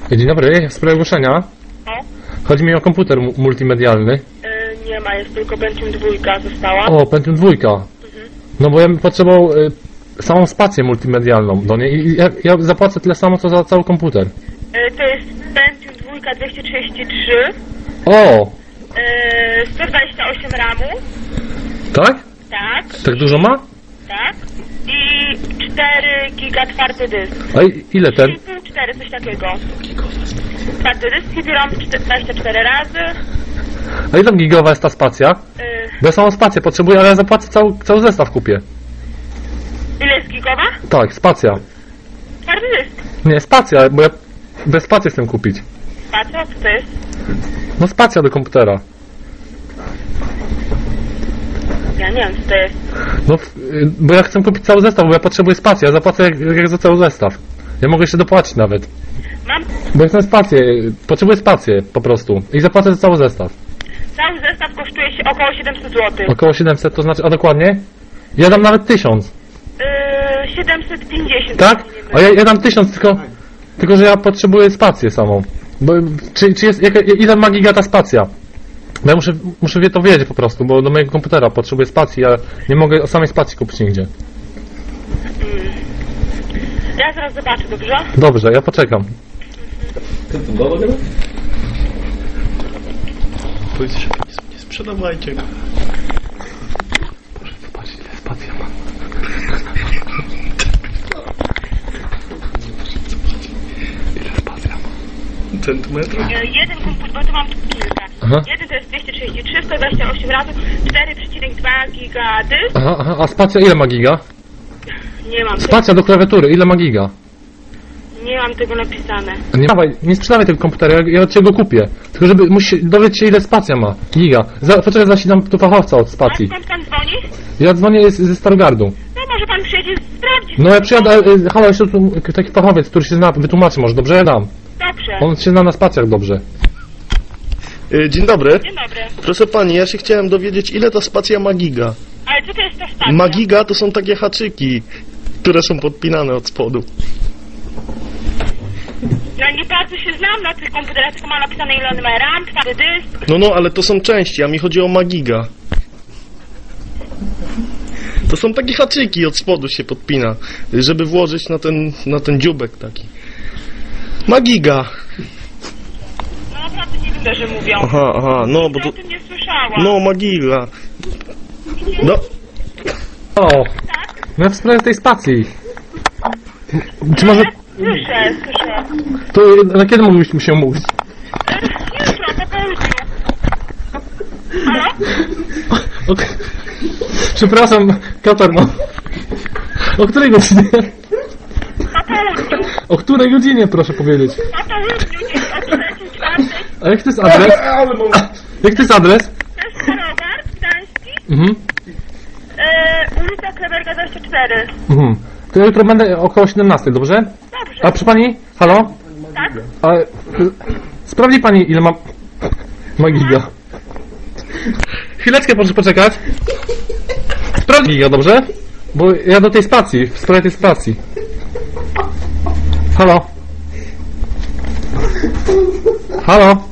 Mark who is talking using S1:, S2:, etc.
S1: Dzień dobry, w sprawie ogłoszenia.
S2: O?
S1: Chodzi mi o komputer multimedialny.
S2: Nie ma, jest tylko Pentium 2 została.
S1: O, Pentium 2. No bo ja bym potrzebował samą spację multimedialną do niej i ja zapłacę tyle samo, co za cały komputer.
S2: To jest Pentium 2 233,
S1: O!
S2: 128 RAMu,
S1: Tak?
S2: tak,
S1: Tak dużo ma?
S2: tak, i 4 giga twardy dysk.
S1: A ile ten?
S2: 3,5, 4, coś takiego. Twardy dysk, CD-ROM 24 razy.
S1: A ile tam gigowa jest ta spacja? Bo ja samą spację potrzebuję, ale ja zapłacę cały zestaw kupię.
S2: Ile jest gigowa?
S1: Tak, spacja.
S2: Twardy dysk.
S1: Nie, spacja, bo ja bez spacji chcę kupić.
S2: Spacja, co to jest?
S1: No spacja do komputera.
S2: Ja nie wiem, co to jest.
S1: No, bo ja chcę kupić cały zestaw, bo ja potrzebuję spacji, ja zapłacę jak za cały zestaw. Ja mogę jeszcze dopłacić nawet.
S2: Mam
S1: Bo ja chcę spację, potrzebuję spację po prostu. I zapłacę za cały zestaw.
S2: cały zestaw kosztuje się około 700 zł.
S1: Około 700, to znaczy, a dokładnie? Ja dam nawet 1000.
S2: 750.
S1: Tak?
S2: jeśli nie
S1: A ja dam 1000, tylko że ja potrzebuję spację samą. Bo, czy jest, ile ma giga ta spacja? Bo ja muszę to wiedzieć po prostu, bo do mojego komputera potrzebuję spacji, ja nie mogę samej spacji kupić nigdzie.
S2: Ja zaraz zobaczę, dobrze?
S1: Dobrze, ja poczekam.
S3: Powiedzcie, że nie sprzedawajcie go.
S1: Proszę zobaczyć, ile spacja ma. Ile spacja ma?
S3: Centymetrów?
S2: Jeden komputer, bo tu mam kilka.
S1: Aha.
S2: Jeden to jest 233, 128 razy, 4,2 giga dysk.
S1: Aha, a spacja ile ma giga?
S2: Nie mam,
S1: Spacja do klawiatury, ile ma giga?
S2: nie mam tego napisane.
S1: Nie sprzedawaj tego komputera, ja od ciebie go kupię. Tylko żeby dowiedzieć się ile spacja ma. Giga. Poczekaj, zaś tu fachowca od
S2: A
S1: spacji.
S2: skąd pan dzwoni?
S1: Ja dzwonię ze Starogardu.
S2: No może pan przyjedzie sprawdzić.
S1: No ja przyjadę, halo, jeszcze tu taki fachowiec, który się zna, wytłumaczy może, dobrze? Ja dam.
S2: Dobrze.
S1: On się zna na spacjach dobrze.
S3: Dzień dobry.
S2: Dzień dobry.
S3: Proszę pani, ja się chciałem dowiedzieć, ile ta spacja ma giga.
S2: Ale co to jest ta stacja?
S3: Magiga to są takie haczyki, które są podpinane od spodu.
S2: Ja nie bardzo się znam na tych komputerach, tylko mam napisane ile on ma RAM, twardy dysk.
S3: No, ale to są części, a mi chodzi o magiga. To są takie haczyki, od spodu się podpina, żeby włożyć na ten dziubek taki. Magiga.
S2: No naprawdę nie wiem, że mówią.
S3: Aha, no bo
S2: Ja
S3: to...
S2: o tym nie słyszałam.
S3: No, magiga. No,
S1: O,
S2: Tak?
S1: no ja w sprawie tej spacji. Czy może...
S2: Słyszę.
S1: To na kiedy moglibyśmy się umówić?
S2: Jutro, po południu. Halo?
S1: O, przepraszam, Katar, no. O której godzinie?
S2: Po południu.
S1: O której godzinie, proszę powiedzieć?
S2: Po południu, gdzieś o 3, 4.
S1: A jak to jest adres? Jak to jest adres?
S2: To jest Starogar, Gdański.
S1: Mhm.
S2: Ulica Kleberga 24.
S1: Mhm. To ja jutro będę około 17, dobrze?
S2: Dobrze.
S1: A przy pani? Halo?
S2: Tak?
S1: A, sprawdzi pani ile ma giga. Chwileczkę proszę poczekać. Sprawdź giga, dobrze? Bo ja do tej spacji, w sprawie tej spacji. Halo? Halo?